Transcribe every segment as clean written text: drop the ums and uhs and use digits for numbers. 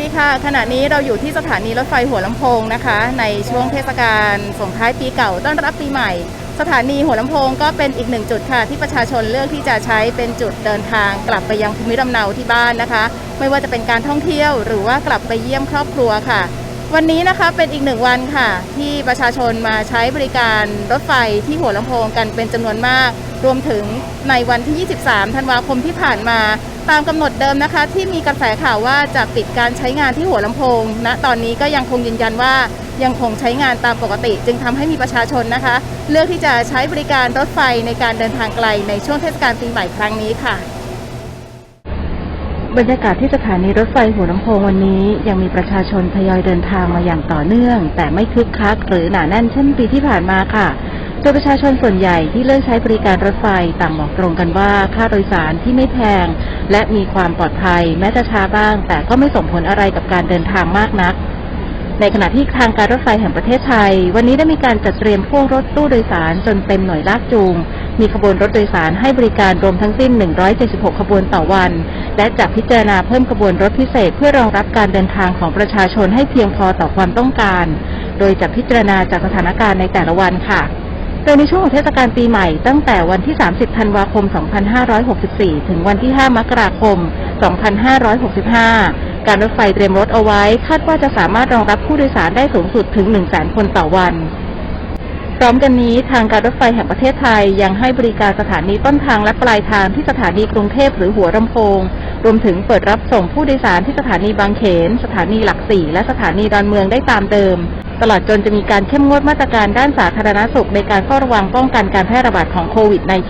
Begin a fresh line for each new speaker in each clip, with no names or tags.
ค่ะขณะนี้เราอยู่ที่สถานีรถไฟหัวลำโพงนะคะในช่วงเทศกาลส่งท้ายปีเก่าต้อนรับปีใหม่สถานีหัวลำโพงก็เป็นอีกหนึ่งจุดค่ะที่ประชาชนเลือกที่จะใช้เป็นจุดเดินทางกลับไปยังภูมิลำเนาที่บ้านนะคะไม่ว่าจะเป็นการท่องเที่ยวหรือว่ากลับไปเยี่ยมครอบครัวค่ะวันนี้นะคะเป็นอีกหนึ่งวันค่ะที่ประชาชนมาใช้บริการรถไฟที่หัวลำโพงกันเป็นจำนวนมากรวมถึงในวันที่ 23 ธันวาคมที่ผ่านมาตามกำหนดเดิมนะคะที่มีกระแสข่าวว่าจะปิดการใช้งานที่หัวลำโพงณตอนนี้ก็ยังคงยืนยันว่ายังคงใช้งานตามปกติจึงทำให้มีประชาชนนะคะเลือกที่จะใช้บริการรถไฟในการเดินทางไกลในช่วงเทศกาลปีใหม่ครั้งนี้ค่ะบรรยากาศที่สถานีรถไฟหัวลำโพงวันนี้ยังมีประชาชนทยอยเดินทางมาอย่างต่อเนื่องแต่ไม่คึกคักหรือหนาแน่นเช่นปีที่ผ่านมาค่ะโดยประชาชนส่วนใหญ่ที่เลือกใช้บริการรถไฟต่างบอกตรงกันว่าค่าโดยสารที่ไม่แพงและมีความปลอดภัยแม้จะช้าบ้างแต่ก็ไม่ส่งผลอะไรกับการเดินทางมากนักในขณะที่ทางการรถไฟแห่งประเทศไทยวันนี้ได้มีการจัดเตรียมพวกรถตู้โดยสารจนเต็มหน่วยลากจูงมีขบวนรถโดยสารให้บริการรวมทั้งสิ้น176ขบวนต่อวันและจะพิจารณาเพิ่มขบวนรถพิเศษเพื่อรองรับการเดินทางของประชาชนให้เพียงพอต่อความต้องการโดยจะพิจารณาจากสถานการณ์ในแต่ละวันค่ะโดยในช่วงของเทศกาลปีใหม่ตั้งแต่วันที่30ธันวาคม2564ถึงวันที่5มกราคม2565การรถไฟเตรียมรถเอาไว้คาดว่าจะสามารถรองรับผู้โดยสารได้สูงสุดถึง 100,000 คนต่อวันพร้อมกันนี้ทางการรถไฟแห่งประเทศไทยยังให้บริการสถานีต้นทางและปลายทางที่สถานีกรุงเทพหรือหัวลำโพงรวมถึงเปิดรับส่งผู้โดยสารที่สถานีบางเขนสถานีหลัก4และสถานีดอนเมืองได้ตามเดิมตลอดจนจะมีการเข้มงวดมาตรการด้านสาธารณสุขในการเฝ้าระวังป้องกันการแพร่ระบาดของโควิด -19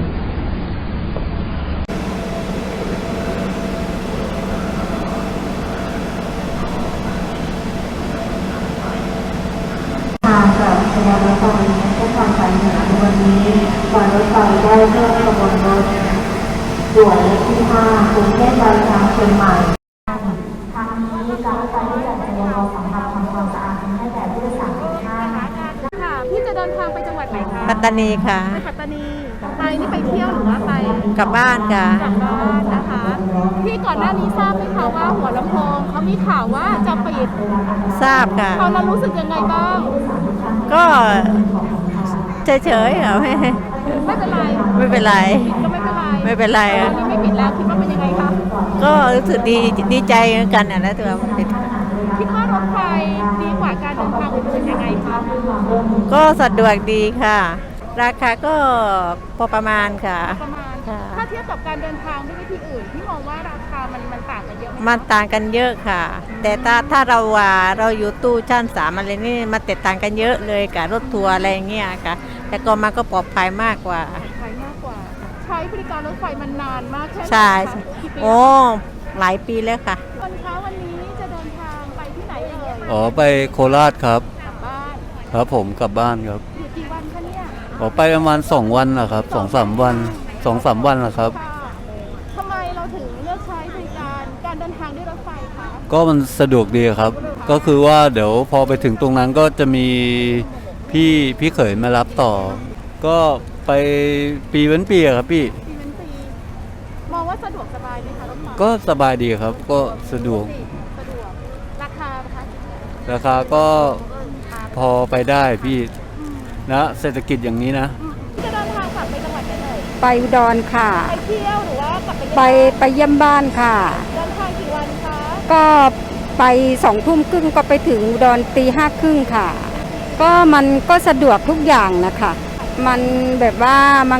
ทางกับขบวนรถไฟเส้นทางสายเหนือในวันนี้การรถไฟได้เพิ่มขบวนรถด่วนเลขที่5กรุงเทพปลายทางเชียงใหม่ทางนี้การรถไฟได้จัดเตรียมรถสำหรับทำความสะอาดให้แก่ผู้โดยสารทุกท่าน
ค่ะพี่จะเดินทางไปจังหวัดไหนคะ
ปัตตานีค่ะ
ไปปัตตานีไปนี่ไปเที่ยวหรือว่าไป
กลับบ้านค่ะ
กลับบ้านนะคะพี่ก่อนหน้านี้ทราบไหมคะว่าหัวลำโพงเขามีข่าวว่าจะปิด
ทราบค่ะ
ตอนนั้นรู้สึกยังไงบ้าง
ก็เฉยๆค่ะ
ไม่เป็นไร
ไม่เป็นไร
ก็ไม่เป็นไร
ไม่เป็นไร
ตอนนี้ไม่ปิดแล้วคิดว่าเป็นยังไงคะ
ก็รู้สึกดีใจเหมือนกันนะตัวมันปิด
คิดว่ารถไฟดีกว่าการเดินทางอื่นยังไงคะ
ก็สะดวกดีค่ะราคาก็พอประมาณค่ะ
ประมาณถ้าเทียบกับการเดินทางด้วยวิธีอื่นพี่มองว่าราคามันต่างกันเยอะไหม
มันต่างกันเยอะค่ะแต่ถ้าเราอยู่ตู้ชั้น3อะไรนี่มันแตกต่างกันเยอะเลยกับรถทัวร์อะไรเงี้ยค่ะแต่ก็มันก็ปลอดภัยมากกว่า
ใช้บริการรถไฟมันนานมากแค่ไหน
ใช่โอ้หลายปีแล้วค่ะ
วันนี้จะเดินทางไปที่ไหนเอ่ย
อ๋อไปโคราชครับ
กลับบ้าน
ครับผมกลับบ้านครับ
อยู่กี่วันคะเนี่ย
อ๋อไปประมาณ2 วันนะครับ2-3 วัน2-3 วันนะครับ
ทำไมเราถึงเลือกใช้บริการเดินทางด้วยรถไฟคะ
ก็มันสะดวกดีครับก็คือว่าเดี๋ยวพอไปถึงตรงนั้นก็จะมีพี่เขยมารับต่อก็ไปปีเว้นปีครับพี่
มองว่าสะดวกสบายไหมคะรถไฟ
ก็สบายดีครับก็สะดวก
ราคาคะ
ราคาก็พอไปได้พี่นะเศรษฐกิจอย่างนี้นะ
จะเดินทางกลับไปจังหวัดไหนเอ่ย
ไปอุดรค่ะ
ไปเที่ยวหรือว่ากลับ
ไปเยี่ยมบ้านค่ะ
เดินทางกี่วันคะ
ก็ไป20:30ก็ไปถึงอุดร5:30ค่ะก็มันก็สะดวกทุกอย่างนะคะมันแบบว่า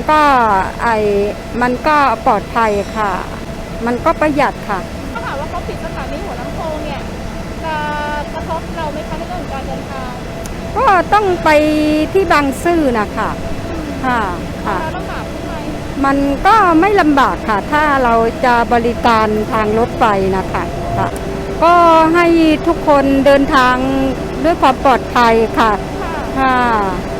มันก็ปลอดภัยค่ะมันก็ประหยัดค่ะ
ถ้าหากว่าเขาปิดสถานีหัวลำโพงเนี่ยจะกระทบเราไหมคะในเรื่องของการเดินทาง
ก็ต้องไปที่บางซื่อนะคะค่ะ
ลำบากไหม
มันก็ไม่ลำบากค่ะถ้าเราจะบริการทางรถไฟนะคะก็ให้ทุกคนเดินทางด้วยความปลอดภัยค่ะ